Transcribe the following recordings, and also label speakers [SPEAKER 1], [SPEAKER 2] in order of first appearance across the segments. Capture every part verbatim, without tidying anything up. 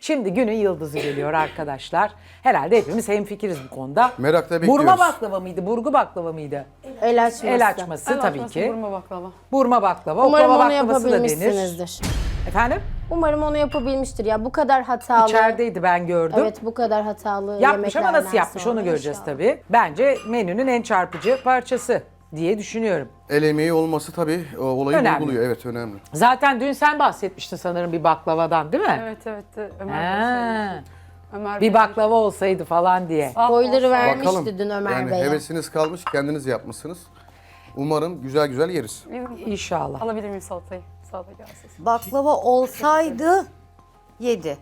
[SPEAKER 1] Şimdi günün yıldızı geliyor arkadaşlar. Herhalde hepimiz hemfikiriz bu konuda.
[SPEAKER 2] Merakla bekliyoruz.
[SPEAKER 1] Burma baklava mıydı, burgu baklava mıydı?
[SPEAKER 3] El açması.
[SPEAKER 1] El açması
[SPEAKER 4] El
[SPEAKER 1] tabii
[SPEAKER 4] açması,
[SPEAKER 1] ki.
[SPEAKER 4] Burma baklava.
[SPEAKER 1] Burma baklava,
[SPEAKER 3] Umarım
[SPEAKER 1] oklava
[SPEAKER 3] onu
[SPEAKER 1] baklavası da denir.
[SPEAKER 3] yapabilmişsinizdir.
[SPEAKER 1] Efendim?
[SPEAKER 3] Umarım onu yapabilmiştir ya. Bu kadar hatalı.
[SPEAKER 1] İçerideydi ben gördüm.
[SPEAKER 3] Evet, bu kadar hatalı
[SPEAKER 1] Yapmış ama
[SPEAKER 3] yemeklerden
[SPEAKER 1] nasıl yapmış
[SPEAKER 3] sonra
[SPEAKER 1] onu göreceğiz
[SPEAKER 3] inşallah.
[SPEAKER 1] tabii. Bence menünün en çarpıcı parçası diye düşünüyorum.
[SPEAKER 2] El emeği olması tabii o olayı
[SPEAKER 1] Önemli.
[SPEAKER 2] vurguluyor. Evet, önemli.
[SPEAKER 1] Zaten dün sen bahsetmiştin sanırım bir baklavadan değil mi?
[SPEAKER 4] Evet evet. Ömer
[SPEAKER 1] Ha,
[SPEAKER 4] Bey söyledi. Ömer Bey.
[SPEAKER 1] bir baklava olsaydı falan diye.
[SPEAKER 4] Ah,
[SPEAKER 3] Boyları
[SPEAKER 4] olsa.
[SPEAKER 3] vermişti
[SPEAKER 2] Bakalım.
[SPEAKER 3] dün Ömer
[SPEAKER 2] yani
[SPEAKER 3] Bey'e.
[SPEAKER 2] hevesiniz kalmış, kendiniz yapmışsınız. Umarım güzel güzel yeriz.
[SPEAKER 1] İnşallah.
[SPEAKER 4] Alabilir miyim salatayı? Salata gelsin.
[SPEAKER 5] Baklava olsaydı yedi.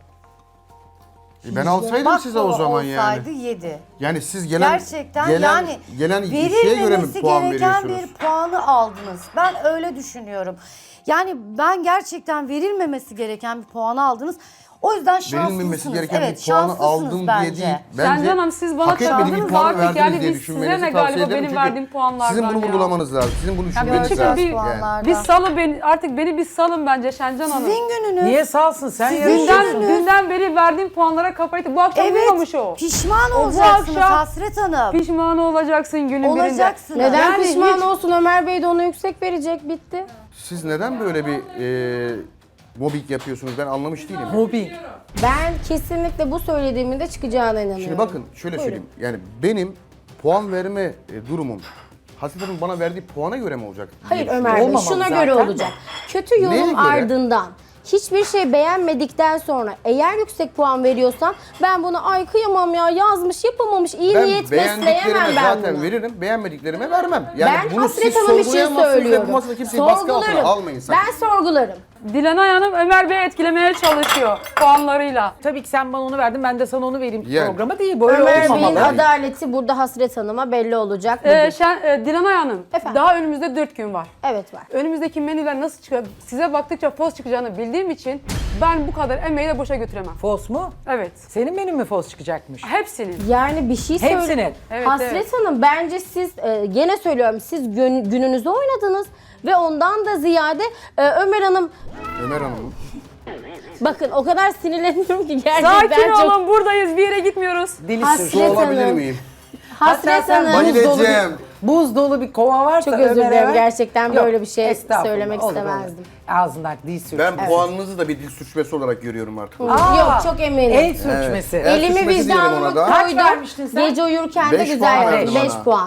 [SPEAKER 2] E ben alsaydım size o
[SPEAKER 5] Baklava
[SPEAKER 2] zaman yani.
[SPEAKER 5] olsaydı yedi.
[SPEAKER 2] Yani siz gelen
[SPEAKER 5] Gerçekten
[SPEAKER 2] gelen,
[SPEAKER 5] yani
[SPEAKER 2] gelen şeye göre mi
[SPEAKER 5] verilmemesi
[SPEAKER 2] puan
[SPEAKER 5] gereken
[SPEAKER 2] veriyorsunuz?
[SPEAKER 5] bir puanı aldınız. Ben öyle düşünüyorum. Yani ben gerçekten verilmemesi gereken bir puanı aldınız. O yüzden şanslısınız.
[SPEAKER 2] Verilmemesi gereken
[SPEAKER 5] Evet,
[SPEAKER 2] bir puanı
[SPEAKER 5] şanslısınız
[SPEAKER 2] aldım
[SPEAKER 5] bence.
[SPEAKER 2] diye değil.
[SPEAKER 4] Can Canım, siz bana
[SPEAKER 2] hak etmediği bir
[SPEAKER 4] çaldınız
[SPEAKER 2] puanı
[SPEAKER 4] artık.
[SPEAKER 2] verdiniz
[SPEAKER 4] Yani
[SPEAKER 2] diye
[SPEAKER 4] biz
[SPEAKER 2] düşünmenizi
[SPEAKER 4] size ne
[SPEAKER 2] tavsiye
[SPEAKER 4] galiba
[SPEAKER 2] ederim.
[SPEAKER 4] benim
[SPEAKER 2] Çünkü
[SPEAKER 4] verdiğim puanlardan
[SPEAKER 2] sizin bunu
[SPEAKER 4] ya.
[SPEAKER 2] vurgulamanız lazım. Sizin bunu düşünmeniz
[SPEAKER 4] gerçekten
[SPEAKER 2] lazım.
[SPEAKER 4] bir-
[SPEAKER 5] puanlardan.
[SPEAKER 4] Biz salı beni, artık beni bir salın bence Şencan Hanım.
[SPEAKER 5] Sizin gününüz.
[SPEAKER 1] Niye salsın sen
[SPEAKER 5] Sizin
[SPEAKER 1] yarışıyorsun?
[SPEAKER 4] Dünden,
[SPEAKER 5] gününüz.
[SPEAKER 4] dünden beri verdiğim puanlara kafayı... Bu akşam
[SPEAKER 5] Evet,
[SPEAKER 4] uyumamış o.
[SPEAKER 5] pişman
[SPEAKER 4] O bu
[SPEAKER 5] olacaksınız
[SPEAKER 4] akşam
[SPEAKER 5] Hasret Hanım.
[SPEAKER 4] Pişman olacaksın günün birinde.
[SPEAKER 5] Olacaksınız.
[SPEAKER 3] Neden
[SPEAKER 4] Yani
[SPEAKER 3] pişman
[SPEAKER 4] hiç-
[SPEAKER 3] olsun? Ömer Bey de ona yüksek verecek, bitti.
[SPEAKER 2] Siz neden böyle bir e, mobbing yapıyorsunuz? Ben anlamış değilim.
[SPEAKER 1] Mobbing.
[SPEAKER 3] Ben kesinlikle bu söylediğimin de çıkacağına inanıyorum.
[SPEAKER 2] Şimdi bakın şöyle söyleyeyim. Yani benim puan verme e, durumum Hasret Hanım bana verdiği puana göre mi olacak?
[SPEAKER 3] Hayır
[SPEAKER 2] diye
[SPEAKER 3] Ömer Bey,
[SPEAKER 1] Olmamalı
[SPEAKER 3] şuna
[SPEAKER 1] zaten
[SPEAKER 3] göre
[SPEAKER 1] de.
[SPEAKER 3] olacak. Kötü
[SPEAKER 2] Neye
[SPEAKER 3] yorum
[SPEAKER 2] göre?
[SPEAKER 3] ardından hiçbir şey beğenmedikten sonra eğer yüksek puan veriyorsan ben bunu ay kıyamam ya yazmış yapamamış iyi
[SPEAKER 2] Ben
[SPEAKER 3] niyet besleyemem
[SPEAKER 2] beğendiklerime
[SPEAKER 3] ben
[SPEAKER 2] zaten
[SPEAKER 3] bunu.
[SPEAKER 2] veririm, beğenmediklerime vermem. Yani
[SPEAKER 3] Ben
[SPEAKER 2] bunu
[SPEAKER 3] Hasret
[SPEAKER 2] siz
[SPEAKER 3] Hanım için
[SPEAKER 2] sorgulayamazsınız ve
[SPEAKER 3] söylüyorum.
[SPEAKER 2] bu masada kimseyi baskı altına
[SPEAKER 3] Sorgularım.
[SPEAKER 2] almayın sakın.
[SPEAKER 3] Ben sorgularım.
[SPEAKER 4] Dilanay Hanım Ömer Bey'i etkilemeye çalışıyor puanlarıyla.
[SPEAKER 1] Tabii ki sen bana onu verdin, ben de sana onu vereyim
[SPEAKER 2] Yani.
[SPEAKER 1] programa değil. Böyle
[SPEAKER 3] Ömer Bey'in
[SPEAKER 1] olmamalı.
[SPEAKER 3] adaleti burada Hasret Hanım'a belli olacak.
[SPEAKER 4] Ee,
[SPEAKER 3] bugün.
[SPEAKER 4] Şen, e, Dilanay Hanım,
[SPEAKER 3] Efendim?
[SPEAKER 4] daha önümüzde dört gün var.
[SPEAKER 3] Evet var.
[SPEAKER 4] Önümüzdeki menüler nasıl çıkıyor? Size baktıkça poz çıkacağını bildiğim için ben bu kadar emeği de boşa götüremem.
[SPEAKER 1] Fos mu?
[SPEAKER 4] Evet.
[SPEAKER 1] Senin menün mü fos çıkacakmış?
[SPEAKER 4] Hepsinin.
[SPEAKER 3] Yani bir şey söyle.
[SPEAKER 1] Hepsinin.
[SPEAKER 4] Evet,
[SPEAKER 3] Hasret
[SPEAKER 4] evet.
[SPEAKER 3] Hanım bence siz e, gene söylüyorum siz gün, gününüzü oynadınız ve ondan da ziyade e, Ömer Hanım
[SPEAKER 2] Ömer Hanım.
[SPEAKER 3] bakın o kadar sinirleniyorum ki gerçekten
[SPEAKER 4] Sakin
[SPEAKER 3] çok
[SPEAKER 4] olun, buradayız, bir yere gitmiyoruz.
[SPEAKER 1] Dili
[SPEAKER 3] Hasret
[SPEAKER 1] sürçüyor.
[SPEAKER 2] Su alabilir
[SPEAKER 3] Hanım.
[SPEAKER 2] miyim?
[SPEAKER 3] Hasret
[SPEAKER 1] sen
[SPEAKER 3] Hanım.
[SPEAKER 1] buz dolu,
[SPEAKER 2] Bayılacağım.
[SPEAKER 1] bir, buz dolu bir kova varsa
[SPEAKER 3] Çok özür
[SPEAKER 1] Ömer'e
[SPEAKER 3] dilerim,
[SPEAKER 1] ver.
[SPEAKER 3] gerçekten böyle bir şey
[SPEAKER 1] estağfurullah,
[SPEAKER 3] söylemek
[SPEAKER 1] olur,
[SPEAKER 3] istemezdim.
[SPEAKER 1] olur. Ağzından dil sürçmesi.
[SPEAKER 2] Ben puanınızı da bir dil sürçmesi olarak görüyorum artık.
[SPEAKER 1] Aa,
[SPEAKER 3] Yok çok eminim.
[SPEAKER 1] El sürçmesi.
[SPEAKER 2] Evet. El
[SPEAKER 3] Elimi
[SPEAKER 2] sürçmesi diyelim
[SPEAKER 3] vicdanıma
[SPEAKER 2] ona da.
[SPEAKER 1] Kaç
[SPEAKER 3] koydum.
[SPEAKER 1] vermiştin sen?
[SPEAKER 3] Gece uyurken de
[SPEAKER 2] Beş
[SPEAKER 3] güzel
[SPEAKER 2] puan
[SPEAKER 3] yaptım.
[SPEAKER 2] verdim
[SPEAKER 3] beş
[SPEAKER 2] ona.
[SPEAKER 3] puan.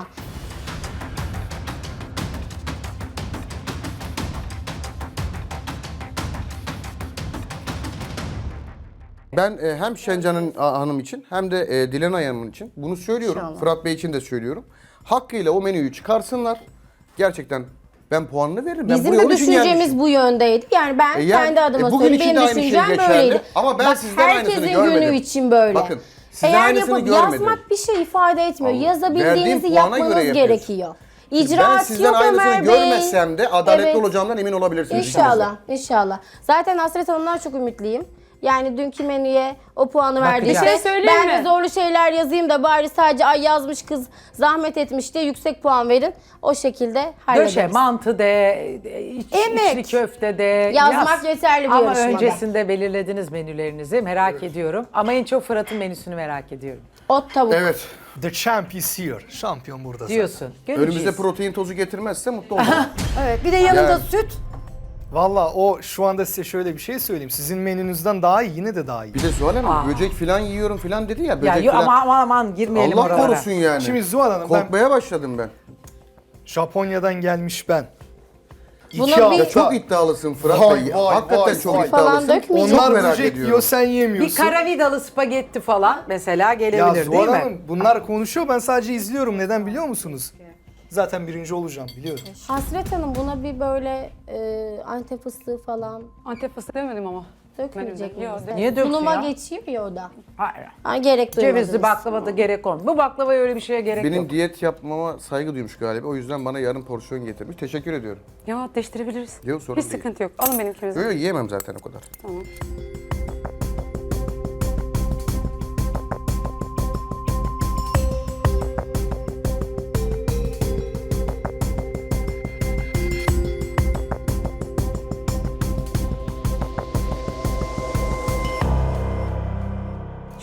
[SPEAKER 2] Ben e, hem Şencan'ın a, hanım için hem de e, Dilanay Hanım için bunu söylüyorum.
[SPEAKER 5] İnşallah.
[SPEAKER 2] Fırat Bey için de söylüyorum. Hakkıyla o menüyü çıkarsınlar. Gerçekten ben puanını veririm. Ben
[SPEAKER 3] Bizim
[SPEAKER 2] buraya
[SPEAKER 3] de
[SPEAKER 2] onun için
[SPEAKER 3] düşüncemiz
[SPEAKER 2] gelmişim.
[SPEAKER 3] bu yöndeydi. Yani ben
[SPEAKER 2] E yani,
[SPEAKER 3] kendi adıma
[SPEAKER 2] e bugün
[SPEAKER 3] söyleyeyim.
[SPEAKER 2] için de
[SPEAKER 3] Benim
[SPEAKER 2] aynı şey
[SPEAKER 3] düşüncem
[SPEAKER 2] geçerli.
[SPEAKER 3] böyleydi.
[SPEAKER 2] Ama ben
[SPEAKER 3] Bak,
[SPEAKER 2] sizden aynısını
[SPEAKER 3] herkesin
[SPEAKER 2] görmedim.
[SPEAKER 3] günü için böyle.
[SPEAKER 2] Bakın, sizden
[SPEAKER 3] Eğer
[SPEAKER 2] aynısını
[SPEAKER 3] yapıp
[SPEAKER 2] görmedim.
[SPEAKER 3] yazmak bir şey ifade etmiyor.
[SPEAKER 2] Allah.
[SPEAKER 3] Yazabildiğinizi
[SPEAKER 2] Verdiğim puana göre
[SPEAKER 3] yapmanız
[SPEAKER 2] yapıyorsun.
[SPEAKER 3] gerekiyor.
[SPEAKER 2] ben
[SPEAKER 3] İcraat
[SPEAKER 2] sizden
[SPEAKER 3] yok
[SPEAKER 2] aynısını
[SPEAKER 3] Ömer Bey.
[SPEAKER 2] görmezsem de adaletli
[SPEAKER 3] Evet.
[SPEAKER 2] olacağımdan emin olabilirsiniz.
[SPEAKER 3] İnşallah, inşallah. Zaten Hasret Hanım'dan çok ümitliyim. Yani dünkü menüye o puanı verdi.
[SPEAKER 1] Bakacağız.
[SPEAKER 4] Bir şey söyleyeyim
[SPEAKER 3] ben de
[SPEAKER 4] mi?
[SPEAKER 3] zorlu şeyler yazayım da bari sadece ay yazmış kız zahmet etmiş diye yüksek puan verin. O şekilde hallederiz.
[SPEAKER 1] Döşe, mantı de, iç,
[SPEAKER 5] Emek.
[SPEAKER 1] içli köfte de.
[SPEAKER 3] Yazmak
[SPEAKER 1] yaz.
[SPEAKER 3] yeterli bir
[SPEAKER 1] Ama
[SPEAKER 3] yarışmada.
[SPEAKER 1] öncesinde belirlediniz menülerinizi. Merak ediyorum. Ama en çok Fırat'ın menüsünü merak ediyorum.
[SPEAKER 3] Ot tavuk.
[SPEAKER 2] Evet.
[SPEAKER 6] The champ is here. Şampiyon burada zaten.
[SPEAKER 1] Diyorsun. Göreceğiz.
[SPEAKER 2] Önümüze protein tozu getirmezse mutlu olurum.
[SPEAKER 5] Evet, bir de yanında
[SPEAKER 2] Yani.
[SPEAKER 5] süt.
[SPEAKER 6] Valla o şu anda size şöyle bir şey söyleyeyim. Sizin menünüzden daha iyi, yine de daha iyi.
[SPEAKER 2] Bir de Zuhal Hanım böcek falan yiyorum falan dedi ya. Böcek
[SPEAKER 1] Ya yo,
[SPEAKER 2] falan.
[SPEAKER 1] ama aman aman girmeyelim
[SPEAKER 2] Allah
[SPEAKER 1] oralara.
[SPEAKER 2] korusun yani.
[SPEAKER 6] Şimdi Zuhal Hanım ben
[SPEAKER 2] Korkmaya başladım ben.
[SPEAKER 6] Japonya'dan gelmiş ben.
[SPEAKER 3] Buna
[SPEAKER 6] İki
[SPEAKER 3] bir-
[SPEAKER 6] hafta-
[SPEAKER 2] Ya çok iddialısın Fırat
[SPEAKER 6] Vay,
[SPEAKER 2] Bey.
[SPEAKER 6] vay,
[SPEAKER 2] Hakikaten
[SPEAKER 6] vay,
[SPEAKER 2] çok
[SPEAKER 6] vay.
[SPEAKER 3] Falan
[SPEAKER 2] iddialısın.
[SPEAKER 3] dökmeyeceğim.
[SPEAKER 2] Çok
[SPEAKER 6] Onlar
[SPEAKER 2] merak
[SPEAKER 6] böcek
[SPEAKER 2] ediyorum.
[SPEAKER 6] yiyor, sen
[SPEAKER 1] Bir
[SPEAKER 6] yemiyorsun.
[SPEAKER 1] karavidalı spagetti falan mesela
[SPEAKER 6] Ya
[SPEAKER 1] gelebilir değil
[SPEAKER 6] Zuhal
[SPEAKER 1] mi?
[SPEAKER 6] Hanım bunlar konuşuyor, ben sadece izliyorum. Neden biliyor musunuz? Zaten birinci olacağım, biliyorum.
[SPEAKER 3] Hasret Hanım buna bir böyle e, Antep fıstığı falan
[SPEAKER 4] Antep fıstığı demedim ama.
[SPEAKER 3] dökmeyecek
[SPEAKER 4] Yok,
[SPEAKER 3] miyiz?
[SPEAKER 1] Niye döksün
[SPEAKER 3] Sunuma
[SPEAKER 1] ya?
[SPEAKER 3] geçiyor ya o da.
[SPEAKER 1] Hayır.
[SPEAKER 3] Ha, gerek duymadınız.
[SPEAKER 1] Cevizli baklava da gerek olmuyor. Bu baklavaya öyle bir şeye gerek
[SPEAKER 2] Benim
[SPEAKER 1] yok.
[SPEAKER 2] diyet yapmama saygı duymuş galiba. O yüzden bana yarım porsiyon getirmiş. Teşekkür ediyorum.
[SPEAKER 4] Ya değiştirebiliriz.
[SPEAKER 2] Yok, sorun
[SPEAKER 4] Hiç
[SPEAKER 2] değil.
[SPEAKER 4] sıkıntı yok. Alın benimkinizi.
[SPEAKER 2] Öyle yiyemem zaten o kadar.
[SPEAKER 4] Tamam.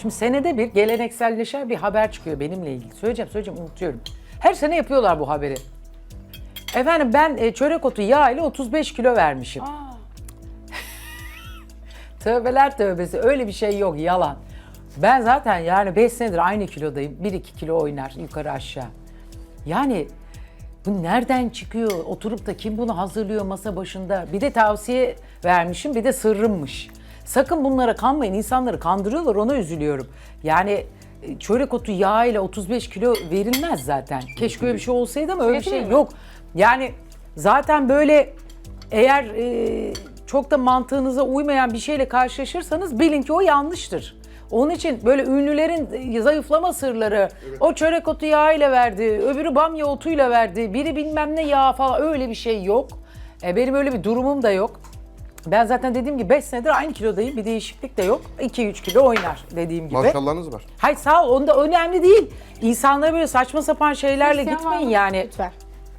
[SPEAKER 1] Şimdi senede bir gelenekselleşen bir haber çıkıyor benimle ilgili. Söyleyeceğim, söyleyeceğim, unutuyorum. Her sene yapıyorlar bu haberi. Efendim ben e, çörek otu yağ ile otuz beş kilo vermişim. Tövbeler tövbesi, öyle bir şey yok, yalan. Ben zaten yani beş senedir aynı kilodayım. bir iki kilo oynar yukarı aşağı. Yani bu nereden çıkıyor? Oturup da kim bunu hazırlıyor masa başında? Bir de tavsiye vermişim, bir de sırrımmış. Sakın bunlara kanmayın. İnsanları kandırıyorlar, ona üzülüyorum. Yani e, çörek otu yağı ile otuz beş kilo verilmez zaten. Keşke öyle bir şey olsaydı ama öyle bir şey yok. Yani zaten böyle eğer e, çok da mantığınıza uymayan bir şeyle karşılaşırsanız bilin ki o yanlıştır. Onun için böyle ünlülerin zayıflama sırları, o çörek otu yağı ile verdi, öbürü bamya otuyla verdi, biri bilmem ne yağ falan, öyle bir şey yok. E, benim öyle bir durumum da yok. Ben zaten dediğim gibi beş senedir aynı kilodayım, bir değişiklik de yok. iki üç kilo oynar dediğim gibi.
[SPEAKER 2] Maşallahınız var.
[SPEAKER 1] Hayır sağ ol, onda önemli değil. İnsanlara böyle saçma sapan şeylerle
[SPEAKER 4] Hristiyan
[SPEAKER 1] gitmeyin
[SPEAKER 4] var mı?
[SPEAKER 1] yani.
[SPEAKER 3] Lütfen.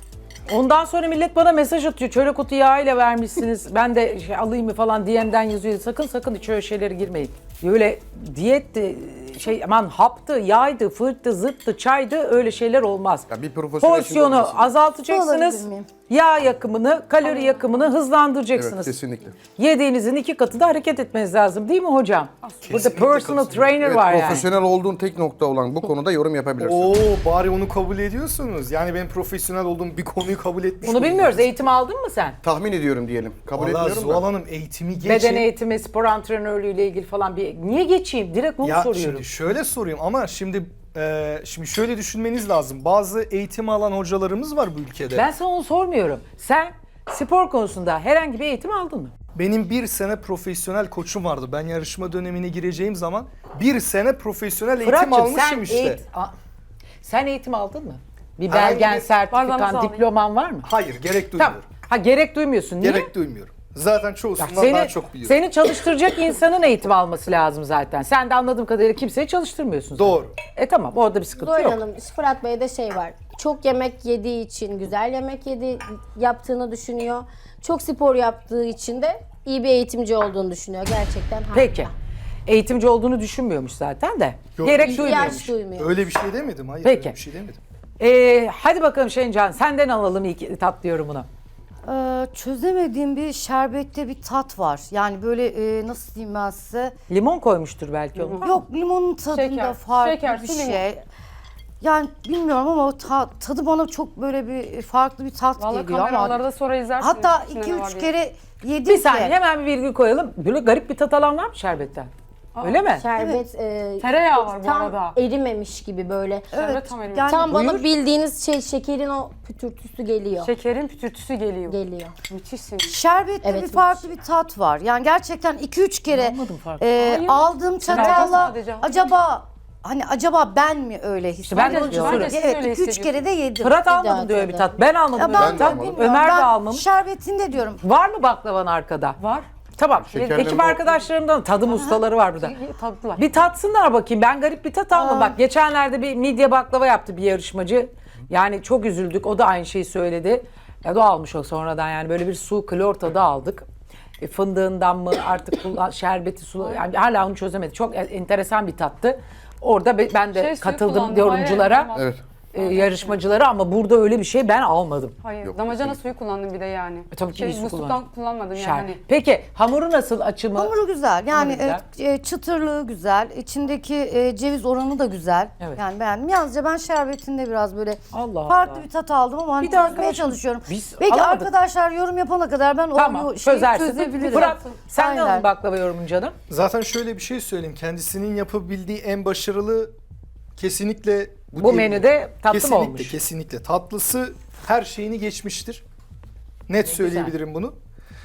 [SPEAKER 1] Ondan sonra millet bana mesaj atıyor. Çörek otu yağıyla vermişsiniz. Ben de şey alayım mı falan D M'den yazıyor. Sakın sakın hiç öyle şeylere girmeyin. Öyle diyetti, şey aman haptı, yağydı, fırttı, zıttı, çaydı, öyle şeyler olmaz.
[SPEAKER 2] Ya bir profesyonel
[SPEAKER 1] Porsiyonu
[SPEAKER 2] için olması.
[SPEAKER 1] azaltacaksınız.
[SPEAKER 5] Olabilir miyim?
[SPEAKER 1] Yağ yakımını, kalori yakımını hızlandıracaksınız.
[SPEAKER 2] Evet, kesinlikle.
[SPEAKER 1] Yediğinizin iki katı da hareket etmeniz lazım değil mi hocam? Burada
[SPEAKER 6] Kesinlikle
[SPEAKER 1] personal
[SPEAKER 6] katılıyorum.
[SPEAKER 1] trainer
[SPEAKER 2] Evet,
[SPEAKER 1] var yani.
[SPEAKER 2] profesyonel olduğun tek nokta olan bu konuda yorum yapabilirsin.
[SPEAKER 6] Oo bari onu kabul ediyorsunuz. Yani ben profesyonel olduğum bir konuyu kabul etmiş
[SPEAKER 1] Bunu bilmiyoruz.
[SPEAKER 6] oluyorsunuz.
[SPEAKER 1] Eğitim aldın mı sen?
[SPEAKER 2] Tahmin ediyorum diyelim. Kabul
[SPEAKER 6] Vallahi
[SPEAKER 2] etmiyorum
[SPEAKER 6] Zuhal
[SPEAKER 2] da.
[SPEAKER 6] Hanım eğitimi geçin.
[SPEAKER 1] Beden eğitimi, spor antrenörlüğü ile ilgili falan bir... Niye geçeyim? Direkt onu
[SPEAKER 6] Ya
[SPEAKER 1] soruyorum.
[SPEAKER 6] şimdi şöyle sorayım ama şimdi e, şimdi şöyle düşünmeniz lazım. Bazı eğitim alan hocalarımız var bu ülkede.
[SPEAKER 1] Ben sana onu sormuyorum. Sen spor konusunda herhangi bir eğitim aldın mı?
[SPEAKER 6] Benim bir sene profesyonel koçum vardı. Ben yarışma dönemine gireceğim zaman bir sene profesyonel eğitim
[SPEAKER 1] Fırat'cığım
[SPEAKER 6] almışım
[SPEAKER 1] sen,
[SPEAKER 6] işte.
[SPEAKER 1] eğit- A- sen eğitim aldın mı? Bir
[SPEAKER 6] Herhangi
[SPEAKER 1] belgen,
[SPEAKER 6] bir-
[SPEAKER 4] Bazen
[SPEAKER 1] sertifikan,
[SPEAKER 4] nasıl alayım?
[SPEAKER 1] diploman var mı?
[SPEAKER 6] Hayır gerek
[SPEAKER 1] Tamam.
[SPEAKER 6] duymuyorum.
[SPEAKER 1] Ha gerek duymuyorsun. Niye?
[SPEAKER 6] Gerek duymuyorum. Zaten çoğusundan
[SPEAKER 1] Bak, seni,
[SPEAKER 6] daha çok biliyorum.
[SPEAKER 1] seni çalıştıracak insanın eğitim alması lazım zaten. Sen de anladığım kadarıyla kimseyi çalıştırmıyorsun. zaten.
[SPEAKER 6] Doğru.
[SPEAKER 1] E tamam, orada bir sıkıntı
[SPEAKER 3] Zuhal
[SPEAKER 1] yok.
[SPEAKER 3] Hanım, Fırat Bey'de şey var. Çok yemek yediği için güzel yemek yedi yaptığını düşünüyor. Çok spor yaptığı için de iyi bir eğitimci olduğunu düşünüyor. Gerçekten harika.
[SPEAKER 1] Peki. Eğitimci olduğunu düşünmüyormuş zaten de.
[SPEAKER 6] Yok,
[SPEAKER 1] Gerek
[SPEAKER 6] ihtiyaç
[SPEAKER 1] duymuyormuş.
[SPEAKER 3] İhtiyaç duymuyor.
[SPEAKER 6] Öyle bir şey demedim. Hayır
[SPEAKER 1] Peki.
[SPEAKER 6] öyle bir şey demedim.
[SPEAKER 1] Ee, hadi bakalım Şencan, senden alalım ilk tatlı yorumunu.
[SPEAKER 5] Ee, çözemediğim bir şerbette bir tat var. Yani böyle e, nasıl diyeyim ben size?
[SPEAKER 1] Limon koymuştur belki onu.
[SPEAKER 5] Yok, limonun tadında
[SPEAKER 4] Şeker,
[SPEAKER 5] farklı
[SPEAKER 4] şeker,
[SPEAKER 5] bir
[SPEAKER 4] su, limon.
[SPEAKER 5] şey. Yani bilmiyorum ama o ta- tadı bana çok böyle bir farklı bir tat
[SPEAKER 4] Vallahi
[SPEAKER 5] geliyor ama.
[SPEAKER 4] kameralarda sonra izlersiniz.
[SPEAKER 5] Hatta
[SPEAKER 4] içinde
[SPEAKER 5] iki
[SPEAKER 4] ne var
[SPEAKER 5] üç
[SPEAKER 4] diye.
[SPEAKER 5] kere yedim
[SPEAKER 1] Bir
[SPEAKER 5] ki.
[SPEAKER 1] saniye hemen bir virgül koyalım. Böyle garip bir tat alan var mı şerbetten? Öyle mi?
[SPEAKER 3] Şerbet e,
[SPEAKER 4] Tereyağı var bu
[SPEAKER 3] tam
[SPEAKER 4] arada.
[SPEAKER 3] erimemiş gibi böyle.
[SPEAKER 4] Şerbet tam erimiş.
[SPEAKER 5] yani
[SPEAKER 3] Tam bana
[SPEAKER 1] Buyur.
[SPEAKER 3] bildiğiniz şey şekerin o pütürtüsü geliyor.
[SPEAKER 4] Şekerin pütürtüsü geliyor.
[SPEAKER 3] Geliyor.
[SPEAKER 4] Müthişsin.
[SPEAKER 5] şerbette
[SPEAKER 3] Evet,
[SPEAKER 5] bir farklı bir tat var. Yani gerçekten iki üç kere
[SPEAKER 1] Anlamadım farklı.
[SPEAKER 5] e,
[SPEAKER 4] Hayır.
[SPEAKER 5] aldığım
[SPEAKER 4] Şerbet
[SPEAKER 5] çatalla
[SPEAKER 4] sadece.
[SPEAKER 5] acaba hani acaba ben mi öyle hissediyorum?
[SPEAKER 1] ben de onu
[SPEAKER 4] Ben de
[SPEAKER 1] soruyorum.
[SPEAKER 4] siz
[SPEAKER 5] Evet,
[SPEAKER 4] öyle
[SPEAKER 5] iki üç
[SPEAKER 4] hissediyorsunuz.
[SPEAKER 5] kere de yedim.
[SPEAKER 1] Fırat
[SPEAKER 3] daha
[SPEAKER 1] almadım diyor bir
[SPEAKER 3] tadı.
[SPEAKER 1] tat. Ben almadım
[SPEAKER 5] Ya
[SPEAKER 1] diyor
[SPEAKER 5] ben
[SPEAKER 1] bir
[SPEAKER 5] de
[SPEAKER 1] tat.
[SPEAKER 5] bilmiyorum.
[SPEAKER 1] Ömer de
[SPEAKER 5] Ben
[SPEAKER 1] almamış.
[SPEAKER 5] şerbetinde diyorum.
[SPEAKER 1] Var mı baklavan arkada?
[SPEAKER 4] Var.
[SPEAKER 1] Tamam.
[SPEAKER 2] Şekerleme
[SPEAKER 1] Ekip
[SPEAKER 2] o-
[SPEAKER 1] arkadaşlarımdan tadım ustaları var burada.
[SPEAKER 4] Tatlılar.
[SPEAKER 1] Bir tatsınlar bakayım. Ben garip bir tat almadım. Bak geçenlerde bir midye baklava yaptı bir yarışmacı. Yani çok üzüldük. O da aynı şeyi söyledi. Ya da almış o sonradan yani böyle bir su klor tadı aldık. E, fındığından mı artık kullan- şerbeti su yani hala onu çözemedi. Çok enteresan bir tattı. Orada be- ben de
[SPEAKER 4] Şey, suyu
[SPEAKER 1] katıldım
[SPEAKER 4] kullandım.
[SPEAKER 1] yorumculara,
[SPEAKER 4] Hayır, hayır,
[SPEAKER 2] Evet.
[SPEAKER 1] e, yarışmacılara ama burada öyle bir şey ben almadım.
[SPEAKER 4] Hayır,
[SPEAKER 2] Yok,
[SPEAKER 4] damacana
[SPEAKER 2] kesinlikle.
[SPEAKER 4] suyu kullandım bir de yani.
[SPEAKER 1] E, tabii ki
[SPEAKER 4] şey,
[SPEAKER 1] iyi su
[SPEAKER 4] musluktan
[SPEAKER 1] kullandın.
[SPEAKER 4] kullanmadım yani.
[SPEAKER 1] Şer-
[SPEAKER 4] Hani.
[SPEAKER 1] Peki hamuru nasıl açımı?
[SPEAKER 5] Hamuru güzel. Yani
[SPEAKER 1] Hamuru güzel.
[SPEAKER 5] e, e, çıtırlığı güzel. İçindeki e, ceviz oranı da güzel.
[SPEAKER 1] Evet.
[SPEAKER 5] Yani beğendim. Yalnızca ben şerbetinde biraz böyle
[SPEAKER 1] Allah
[SPEAKER 5] farklı
[SPEAKER 1] Allah.
[SPEAKER 5] bir tat aldım ama hani
[SPEAKER 1] Bir de
[SPEAKER 5] çözmeye
[SPEAKER 1] arkadaşım,
[SPEAKER 5] çalışıyorum.
[SPEAKER 1] biz
[SPEAKER 5] Belki
[SPEAKER 1] alamadık.
[SPEAKER 5] arkadaşlar yorum yapana kadar ben
[SPEAKER 1] Tamam
[SPEAKER 5] o şeyi
[SPEAKER 1] çözersin.
[SPEAKER 5] çözebilirim.
[SPEAKER 1] Fırat sen de
[SPEAKER 5] Aynen.
[SPEAKER 1] alın baklava yorumun canım.
[SPEAKER 6] Zaten şöyle bir şey söyleyeyim. Kendisinin yapabildiği en başarılı kesinlikle
[SPEAKER 1] Bu
[SPEAKER 6] diyebilirim.
[SPEAKER 1] menüde tatlı mı
[SPEAKER 6] kesinlikle,
[SPEAKER 1] olmuş?
[SPEAKER 6] Kesinlikle. Tatlısı her şeyini geçmiştir. Net söyleyebilirim bunu.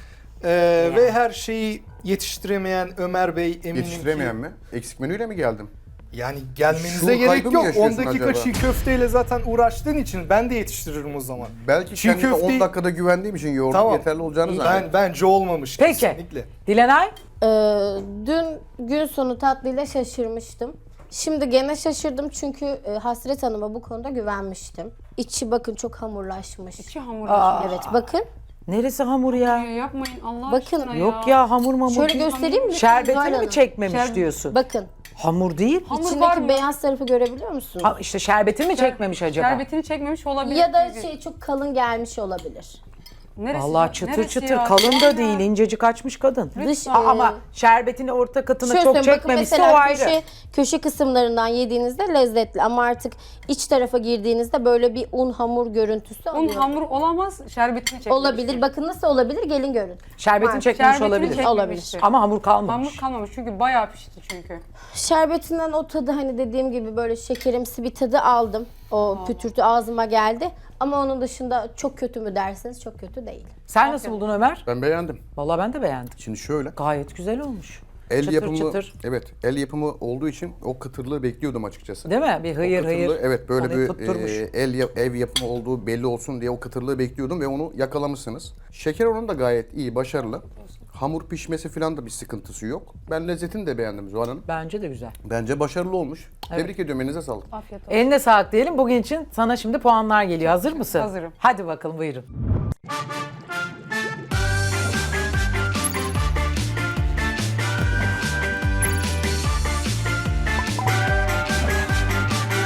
[SPEAKER 6] Ee, Ve her şeyi yetiştiremeyen Ömer Bey eminim
[SPEAKER 2] Yetiştiremeyen
[SPEAKER 6] ki...
[SPEAKER 2] mi? Eksik menüyle mi geldim?
[SPEAKER 6] Yani gelmenize
[SPEAKER 2] Şuur
[SPEAKER 6] gerek
[SPEAKER 2] kaybı mı
[SPEAKER 6] yok.
[SPEAKER 2] yaşıyorsun
[SPEAKER 6] ondaki
[SPEAKER 2] acaba?
[SPEAKER 6] çiğ köfteyle zaten uğraştığın için ben de yetiştiririm o zaman.
[SPEAKER 2] Belki
[SPEAKER 6] Çiğ
[SPEAKER 2] kendime
[SPEAKER 6] köfteyi-
[SPEAKER 2] on dakikada güvendiğim için yoğurdun
[SPEAKER 6] Tamam.
[SPEAKER 2] yeterli olacağını
[SPEAKER 6] Ben
[SPEAKER 2] zannediyorum.
[SPEAKER 6] bence olmamış
[SPEAKER 1] Peki.
[SPEAKER 6] kesinlikle.
[SPEAKER 1] Dilenay?
[SPEAKER 3] Ee, dün gün sonu tatlıyla şaşırmıştım. Şimdi gene şaşırdım çünkü e, Hasret Hanım'a bu konuda güvenmiştim. İçi bakın çok hamurlaşmış.
[SPEAKER 4] İçi hamur.
[SPEAKER 3] Evet bakın.
[SPEAKER 1] Neresi hamur ya?
[SPEAKER 4] Ya yapmayın Allah
[SPEAKER 3] Bakın.
[SPEAKER 4] aşkına ya.
[SPEAKER 1] Yok ya hamur mamur.
[SPEAKER 3] Şöyle
[SPEAKER 1] değil.
[SPEAKER 3] göstereyim mi? Zuhal
[SPEAKER 1] Şerbetini
[SPEAKER 3] Hanım?
[SPEAKER 1] mi çekmemiş
[SPEAKER 4] Şerbet-
[SPEAKER 1] diyorsun?
[SPEAKER 3] Bakın.
[SPEAKER 1] Hamur değil.
[SPEAKER 4] Hamur var
[SPEAKER 3] İçindeki
[SPEAKER 4] mı?
[SPEAKER 3] beyaz tarafı görebiliyor musun?
[SPEAKER 1] Ha, işte şerbetini mi çekmemiş acaba?
[SPEAKER 4] Şerbetini çekmemiş olabilir.
[SPEAKER 3] Ya da
[SPEAKER 4] Çünkü-
[SPEAKER 3] şey çok kalın gelmiş olabilir.
[SPEAKER 4] Neresi-
[SPEAKER 1] Vallahi çıtır
[SPEAKER 4] neresi
[SPEAKER 1] çıtır
[SPEAKER 4] ya?
[SPEAKER 1] kalın da
[SPEAKER 4] Ya.
[SPEAKER 1] değil, incecik açmış kadın.
[SPEAKER 3] Dış,
[SPEAKER 1] A- Ama
[SPEAKER 3] e,
[SPEAKER 1] şerbetini orta katına
[SPEAKER 3] Şöyle
[SPEAKER 1] çok
[SPEAKER 3] söyleyeyim, bakın
[SPEAKER 1] çekmemişse o
[SPEAKER 3] mesela
[SPEAKER 1] ayrı.
[SPEAKER 3] köşe, köşe kısımlarından yediğinizde lezzetli ama artık iç tarafa girdiğinizde böyle bir un hamur görüntüsü
[SPEAKER 4] Un
[SPEAKER 3] alıyor.
[SPEAKER 4] hamur olamaz, şerbetini çekmemiştir.
[SPEAKER 3] Olabilir. Bakın nasıl olabilir? Gelin görün.
[SPEAKER 1] Şerbetini
[SPEAKER 3] Var.
[SPEAKER 1] çekmemiş
[SPEAKER 4] Şerbetini
[SPEAKER 1] olabilir.
[SPEAKER 4] çekmemiştir.
[SPEAKER 3] Olabilir.
[SPEAKER 1] Ama hamur kalmamış.
[SPEAKER 4] Hamur kalmamış çünkü bayağı pişti çünkü.
[SPEAKER 3] Şerbetinden o tadı hani dediğim gibi böyle şekerimsi bir tadı aldım. O pütürtü ağzıma geldi. Ama onun dışında çok kötü mü derseniz çok kötü değil.
[SPEAKER 1] Sen nasıl buldun Ömer?
[SPEAKER 2] Ben beğendim.
[SPEAKER 1] Vallahi ben de beğendim.
[SPEAKER 2] Şimdi şöyle.
[SPEAKER 1] Gayet güzel olmuş.
[SPEAKER 2] El
[SPEAKER 1] çıtır
[SPEAKER 2] yapımı,
[SPEAKER 1] çıtır.
[SPEAKER 2] evet, el yapımı olduğu için o kıtırlığı bekliyordum açıkçası.
[SPEAKER 1] Değil mi? Bir hıyır
[SPEAKER 2] O kıtırlığı,
[SPEAKER 1] hıyır.
[SPEAKER 2] evet, böyle
[SPEAKER 1] Onu
[SPEAKER 2] bir
[SPEAKER 1] tutturmuş.
[SPEAKER 2] e, el yap- ev yapımı olduğu belli olsun diye o kıtırlığı bekliyordum ve onu yakalamışsınız. Şeker oranı da gayet iyi, başarılı. Hamur pişmesi falan da bir sıkıntısı yok. Ben lezzetini de beğendim Zuhal Hanım.
[SPEAKER 1] Bence de güzel.
[SPEAKER 2] Bence başarılı olmuş. Tebrik ediyorum, elinize sağlık.
[SPEAKER 4] Afiyet olsun.
[SPEAKER 1] Eline sağlık diyelim. Bugün için sana şimdi puanlar geliyor. Hazır mısın?
[SPEAKER 4] Hazırım.
[SPEAKER 1] Hadi bakalım buyurun.